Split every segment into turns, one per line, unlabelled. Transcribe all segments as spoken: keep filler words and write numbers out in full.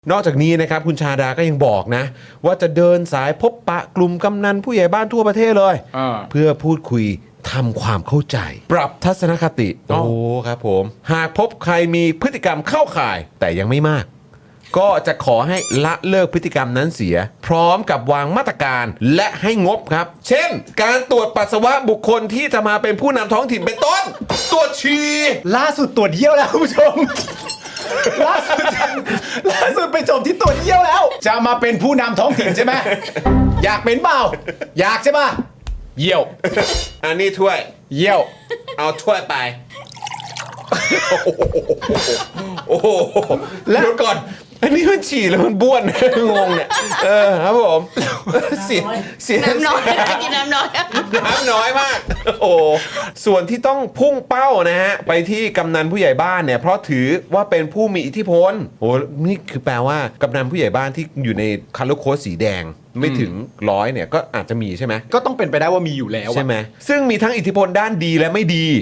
นอกจากนี้นะครับคุณชาดาก็ยังบอกนะว่าจะเดินสายพบปะกลุ่มกำนันผู้ใหญ่บ้านทั่วประเทศเลยเพื่อพูดคุยทำความเข้าใจปรับทัศนคติโอ้ครับผมหากพบใครมีพฤติกรรมเข้าข่ายแต่ยังไม่มากก็จะขอให้ละเลิกพฤติกรรมนั้นเสียพร้อมกับวางมาตรการและให้งบครับเช่นการตรวจปัสสาวะบุคคลที่จะมาเป็นผู้นำท้องถิ่นเป็นต้นตรวจฉี่
ล่าสุดตรวจเยี่ยวแล้วคุณผู้ชมล่าสุดล่าสุดไปจบที่ตรวจเยี่ยวแล้ว จะมาเป็นผู้นำท้องถิ่นใช่ไหมอยากเป็นเปล่าอยากใช่ป่ะเยี่ยว
อันนี้ถ้วย
เยี่ยว
เอาถ้วยไปโอ้โหแล้วก่อนอันนี้มันฉี่แล้วมันบ้วนงงเนี่ยเออครับผมเสียเสีย
น้ำน้อยกินน้ำน้อย
น้ำน้อยมากโอ้ส่วนที่ต้องพุ่งเป้านะฮะไปที่กำนันผู้ใหญ่บ้านเนี่ยเพราะถือว่าเป็นผู้มีอิทธิพลโอ้นี่คือแปลว่ากำนันผู้ใหญ่บ้านที่อยู่ในคัลเลอร์โค้ดสีแดงไม่ถึงร้อยเนี่ยก็อาจจะมีใช่ไหม
ก็ต้องเป็นไปได้ว่ามีอยู่แล้ว
ใช่ไหมซึ่งมีทั้งอิทธิพลด้านดีและไม่ดี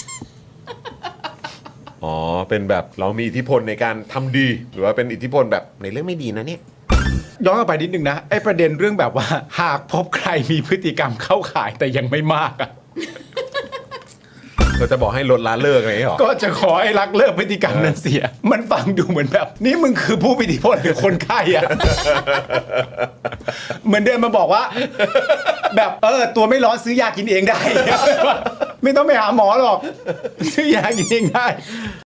อ๋อเป็นแบบเรามีอิทธิพลในการทำดีหรือว่าเป็นอิทธิพลแบบในเรื่องไม่ดีนะเนี่ย
ย้อนกลับไปนิดนึงนะไอ้ประเด็นเรื่องแบบว่าหากพบใครมีพฤติกรรมเข้าข่ายแต่ยังไม่มากอ่ะ
ก็จะบอกให้ลดละเลิกอะไรหรอ
ก็จะขอให้ลักเลิกพฤติกรรมนั้นเสียมันฟังดูเหมือนแบบนี่มึงคือผู้มีอิทธิพลหรือคนไข้อ่ะเหมือนเดินมาบอกว่าแบบเออตัวไม่ร้อนซื้อยากินเองได้ไม่ต้องไปหาหมอหรอกซื้อยากินเองได้